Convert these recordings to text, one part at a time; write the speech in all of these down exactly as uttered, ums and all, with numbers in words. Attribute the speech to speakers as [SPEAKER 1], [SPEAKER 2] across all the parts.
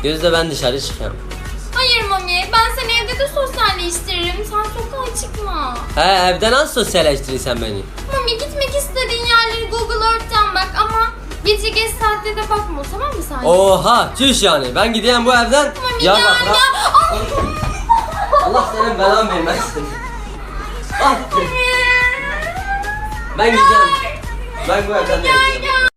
[SPEAKER 1] Gözde ben dışarı çıkıyorum.
[SPEAKER 2] Hayır Mami, ben seni evde de sosyalleştiririm. Sen sokağa çıkma.
[SPEAKER 1] He, evde nasıl sosyalleştirirsen beni?
[SPEAKER 2] Mami, gitmek istediğin yerleri Google Earth'ten bak ama gece geç saatte de bakma, tamam mı sen?
[SPEAKER 1] Oha, çüş yani. Ben gideyim bu evden.
[SPEAKER 2] Mami
[SPEAKER 1] ya
[SPEAKER 2] gel,
[SPEAKER 1] bak,
[SPEAKER 2] gel.
[SPEAKER 1] bak.
[SPEAKER 2] Ay.
[SPEAKER 1] Allah senin belanı vermesin. Ah. Ben gideceğim. Ben bu evden de
[SPEAKER 2] Gel,
[SPEAKER 1] gideceğim.
[SPEAKER 2] gel.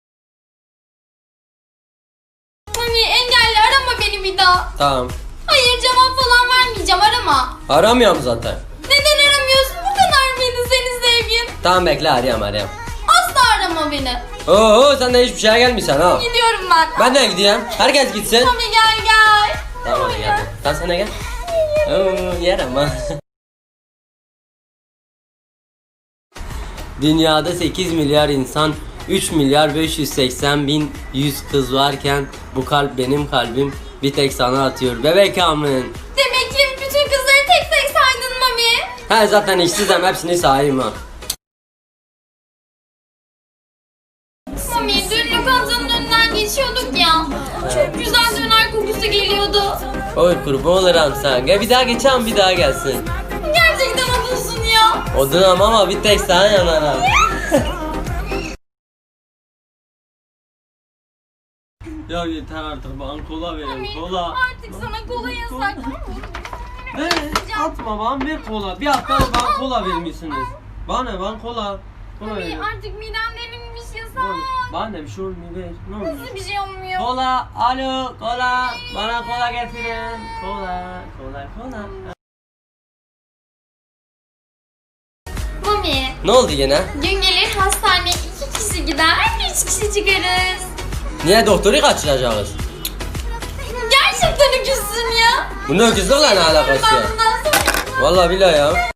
[SPEAKER 2] Mami engelli, arama beni bir daha.
[SPEAKER 1] Tamam.
[SPEAKER 2] Hayır, cevap falan vermeyeceğim, arama.
[SPEAKER 1] Aramıyorum zaten.
[SPEAKER 2] Neden aramıyorsun? Bu kadar mıydı senin sevgin?
[SPEAKER 1] Tamam bekle, arayayım arayayım.
[SPEAKER 2] Asla arama beni.
[SPEAKER 1] Oo, sen de hiçbir şeye gelmişsin ha.
[SPEAKER 2] Gidiyorum ben.
[SPEAKER 1] Ben de gideyim. Herkes gitsin.
[SPEAKER 2] Mami gel gel.
[SPEAKER 1] Tamam hadi gel. Sen sana gel. Oo, yerim ha. Dünyada sekiz milyar insan, üç milyar beş yüz seksen bin yüz kız varken bu kalp benim kalbim bir tek sana atıyor bebek amın.
[SPEAKER 2] Demek ki bütün kızları tek tek saydın Mami.
[SPEAKER 1] He zaten işsizim, hepsini sahayım ha.
[SPEAKER 2] Mami dün lokantanın önünden geçiyorduk ya. Çok güzel döner kokusu geliyordu.
[SPEAKER 1] Oy kurban olurum sen. Gel bir daha geçelim, bir daha gelsin.
[SPEAKER 2] Gerçekten odunsun ya.
[SPEAKER 1] Odunum ama bir tek sana yanarım. Ya yeter artık, bana kola verin,
[SPEAKER 2] Mami
[SPEAKER 1] kola.
[SPEAKER 2] artık sana kola yasak.
[SPEAKER 1] Ne? Atma bana, ver kola. Bir hafta bana kola vermişsiniz. Bana ne, bana kola. Kola
[SPEAKER 2] Mami
[SPEAKER 1] verin.
[SPEAKER 2] artık midem delinmiş yasak.
[SPEAKER 1] Bana ne, bir şey olmuyor, ver. Ne olur.
[SPEAKER 2] Nasıl bir şey olmuyor?
[SPEAKER 1] Kola, alo, kola. Bana kola getirin. Kola, kola, kola.
[SPEAKER 2] Mami
[SPEAKER 1] Ne oldu yine?
[SPEAKER 2] gün gelir hastaneye iki kişi gider, üç kişi çıkarız.
[SPEAKER 1] Niye doktoru kaçıracağız?
[SPEAKER 2] Gerçekten öküzsün ya.
[SPEAKER 1] Bunun öküzlerle ne alakası
[SPEAKER 2] Ben
[SPEAKER 1] ya?
[SPEAKER 2] bundan sonra...
[SPEAKER 1] Vallahi billahi ya.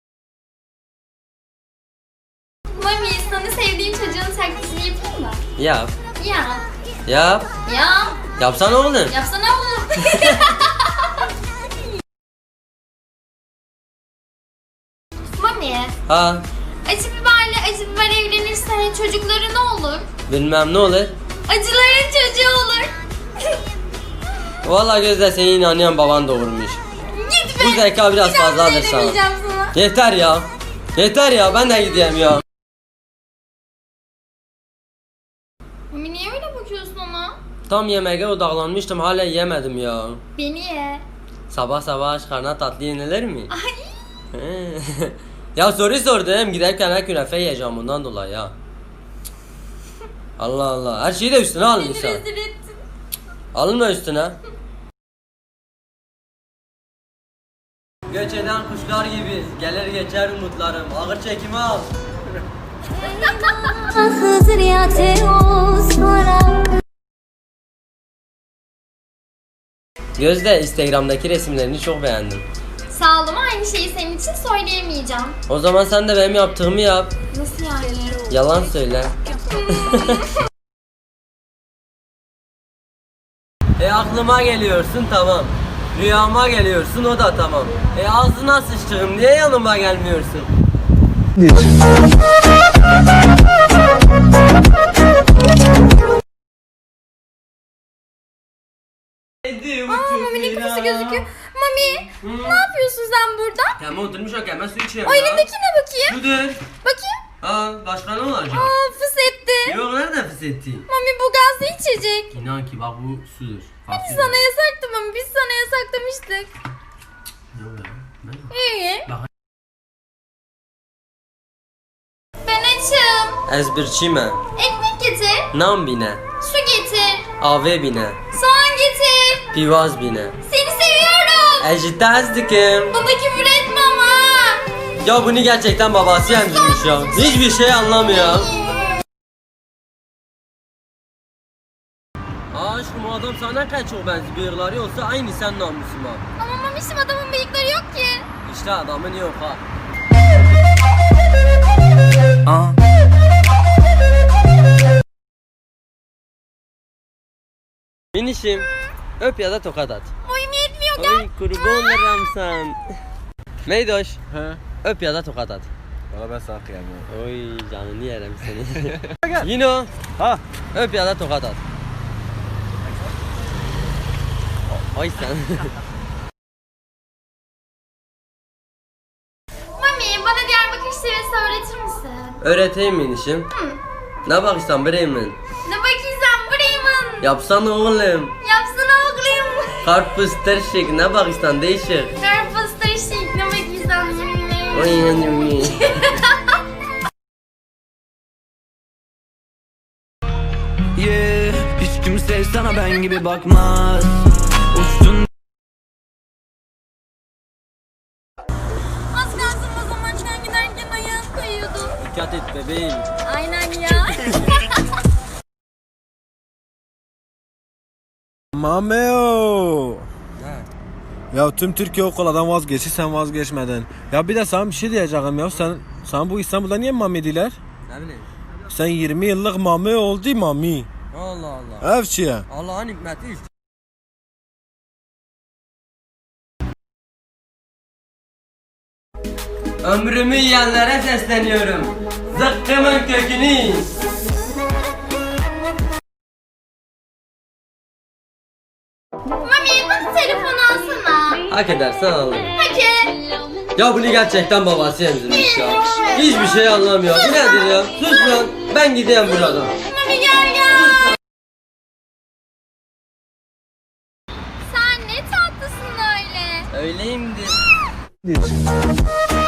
[SPEAKER 2] Mami sana sevdiğim çocuğun taklidini yapayım mı?
[SPEAKER 1] Yap.
[SPEAKER 2] Ya.
[SPEAKER 1] Yap.
[SPEAKER 2] Ya.
[SPEAKER 1] Yapsana oğlum.
[SPEAKER 2] Yapsana oğlum. Mami,
[SPEAKER 1] Ha.
[SPEAKER 2] acı biberle acı biber evlenirse çocukları ne olur?
[SPEAKER 1] Bilmem ne olur.
[SPEAKER 2] Acıların çocuğu olur.
[SPEAKER 1] Vallahi Gözde, seni inanıyorum, baban doğurmuş.
[SPEAKER 2] Git be.
[SPEAKER 1] Bu zeka biraz
[SPEAKER 2] Bir daha bir
[SPEAKER 1] fazladır
[SPEAKER 2] şey
[SPEAKER 1] sana.
[SPEAKER 2] demeyeceğim sana.
[SPEAKER 1] Yeter ya. Yeter ya, ben de gideyim ya.
[SPEAKER 2] Mami niye öyle bakıyorsun ona?
[SPEAKER 1] Tam yemeğe odaklanmıştım, hala yemedim ya.
[SPEAKER 2] Beni ye.
[SPEAKER 1] Sabah sabah aç karnına tatlı yenilir mi?
[SPEAKER 2] Ay.
[SPEAKER 1] He. Ya soru sordum, giderken her künefe yiyeceğim bundan dolayı ya. Allah Allah, her şeyi de üstüne
[SPEAKER 2] Beni
[SPEAKER 1] almışsın.
[SPEAKER 2] rezil ettin.
[SPEAKER 1] Alınma üstüne. Göç eden kuşlar gibi gelir geçer umutlarım. Ağır çekimi al. Gözde, Instagram'daki resimlerini çok beğendim.
[SPEAKER 2] Sağ ol ama aynı şeyi senin için söyleyemeyeceğim.
[SPEAKER 1] O zaman sen de benim yaptığımı yap.
[SPEAKER 2] Nasıl yani?
[SPEAKER 1] Yalan söyle. E aklıma geliyorsun, tamam. Rüyama geliyorsun, o da tamam. E ağzına sıçtığım, niye yanıma gelmiyorsun?
[SPEAKER 2] Aa Mami'nin kafası gözüküyor. Mami ne yapıyorsun sen burada?
[SPEAKER 1] Tamam, oturmuş o hemen su içiyorum
[SPEAKER 2] O
[SPEAKER 1] ya.
[SPEAKER 2] elindekine bakayım.
[SPEAKER 1] Sudur.
[SPEAKER 2] Bakayım.
[SPEAKER 1] Aa, başka ne olacak?
[SPEAKER 2] Aa fıs etti.
[SPEAKER 1] Yok, nerede fıs etti?
[SPEAKER 2] Mami bu gazlı içecek.
[SPEAKER 1] İnan ki bak, bu sudur.
[SPEAKER 2] Biz sana yasaktı Mami. Biz sana yasaklamıştık.
[SPEAKER 1] Yok ya. Ne?
[SPEAKER 2] İyi.
[SPEAKER 1] Bak.
[SPEAKER 2] Ben açım.
[SPEAKER 1] Ezbirçime.
[SPEAKER 2] Ekmek getir.
[SPEAKER 1] Nam bine.
[SPEAKER 2] Su getir.
[SPEAKER 1] Ave bine.
[SPEAKER 2] Soğan getir.
[SPEAKER 1] Pivaz bine.
[SPEAKER 2] Seni seviyorum.
[SPEAKER 1] Ejitazdikim.
[SPEAKER 2] Bana küfür etme ama.
[SPEAKER 1] Ya bunu gerçekten babası emzirmiş ya. Hiçbir şey anlamıyor. Aa aşkım, o adam sana ne kadar çok benziyor. Bıyıkları olsa aynı sen namusun ha.
[SPEAKER 2] Ama Mami'şim adamın bıyıkları yok ki.
[SPEAKER 1] İşte adamın yok ha.
[SPEAKER 3] Aa.
[SPEAKER 1] Minişim, öp ya da tokat at.
[SPEAKER 2] Boyum yetmiyor gel.
[SPEAKER 1] Oy kurban olurum sen. Meydoş,
[SPEAKER 3] He.
[SPEAKER 1] öp ya da tokat at.
[SPEAKER 3] Valla ben sana kıyamıyorum.
[SPEAKER 1] Oy canını yerim seni. Yino,
[SPEAKER 3] Ha.
[SPEAKER 1] öp ya da tokat at. Ay sen.
[SPEAKER 2] Mami bana Diyarbakır şivesi öğretir misin?
[SPEAKER 1] Öğreteyim mi işim?
[SPEAKER 2] Hı.
[SPEAKER 1] Ne bakıştan Bremen?
[SPEAKER 2] Ne bakıyorsun Bremen?
[SPEAKER 1] Yapsana oğlum.
[SPEAKER 2] Yapsana oğlum.
[SPEAKER 1] Karpuz terşik ne bakıştan değişik.
[SPEAKER 2] Karpuz taşıyık ne bakıyorsun?
[SPEAKER 1] Oy yanım.
[SPEAKER 4] Yeah, hiç kimse sana ben gibi bakmaz. Uçtun.
[SPEAKER 2] Az kalsın o zaman sen giderken ayağın kayıyordu.
[SPEAKER 1] Dikkat et bebeğim.
[SPEAKER 2] Aynen ya.
[SPEAKER 3] Mameo. Ya tüm Türkiye o koladan vazgeçti, sen vazgeçmedin. Ya bir de sana bir şey diyeceğim ya, sen sen bu İstanbul'da niye mami diler?
[SPEAKER 1] Ne bileyim.
[SPEAKER 3] Sen yirmi yıllık mami oldu mami.
[SPEAKER 1] Allah Allah.
[SPEAKER 3] Evçiye.
[SPEAKER 1] Allah'ın hikmeti işte. Ömrümü yiyenlere sesleniyorum. Zıkkımın kökünü.
[SPEAKER 2] Mami bana telefon alsana.
[SPEAKER 1] Hak edersen alırım.
[SPEAKER 2] Hadi.
[SPEAKER 1] Ya bunu gerçekten babası emzirmiş ya. Hiçbir şey anlamıyor. Bu nedir ya? Sus lan. Ben gideyim buradan.
[SPEAKER 2] Mami gel gel. Sen ne tatlısın öyle.
[SPEAKER 1] Öyleyimdir.